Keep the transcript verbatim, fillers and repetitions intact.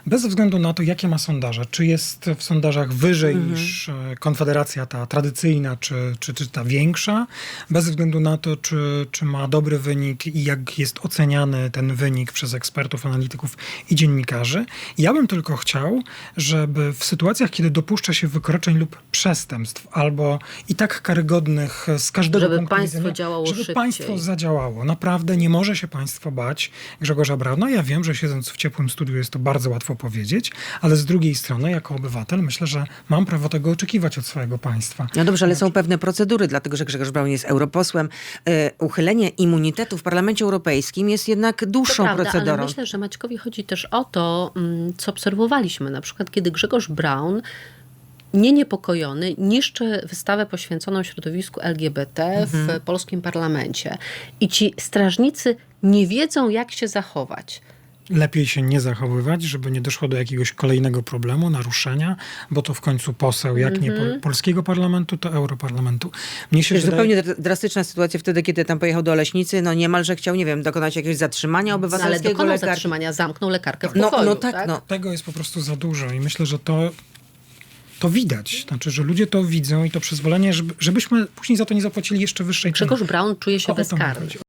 bez względu na to, jakie ma sondaże. Czy jest w sondażach wyżej Mhm. niż e, Konfederacja ta tradycyjna, czy, czy, czy ta większa, bez względu na to, czy, czy ma dobry wynik i jak jest oceniany ten wynik przez ekspertów, analityków i dziennikarzy. Ja bym tylko chciał, żeby w sytuacjach, kiedy dopuszcza się wykroczeń lub przestępstw, albo i tak karygodnych z każdego Żeby punktu państwo widzenia, działało żeby szybciej. państwo zadziałało. Naprawdę nie może się państwo bać Grzegorza Brauna. Ja wiem, że siedząc w ciepłym studiu jest to bardzo łatwo powiedzieć, ale z drugiej strony, jako obywatel, myślę, że mam prawo tego oczekiwać od swojego państwa. No dobrze, ale są pewne procedury, dlatego że Grzegorz Braun jest europosłem. E, uchylenie immunitetu w Parlamencie Europejskim jest jednak To dłuższą prawda, procedurą. ale myślę, że Maćkowi chodzi też o to, mm, co obserwowaliśmy. Na przykład, kiedy Grzegorz Braun nie niepokojony niszczy wystawę poświęconą środowisku L G B T w polskim parlamencie. I ci strażnicy nie wiedzą, jak się zachować. Lepiej się nie zachowywać, żeby nie doszło do jakiegoś kolejnego problemu, naruszenia, bo to w końcu poseł, jak nie po, polskiego parlamentu, to europarlamentu. Mnie się Wiesz, wydaje... zupełnie dr- drastyczna sytuacja wtedy, kiedy tam pojechał do Leśnicy, no niemalże chciał, nie wiem, dokonać jakiegoś zatrzymania No, ale obywatelskiego dokonał lekarza. zatrzymania, zamknął lekarkę w No, pokoju. no tak, no. Tego jest po prostu za dużo i myślę, że to, to widać. Znaczy, że ludzie to widzą i to przyzwolenie, żeby, żebyśmy później za to nie zapłacili jeszcze wyższej ceny. Grzegorz Braun czuje się O- o to mi bezkarny. chodzi.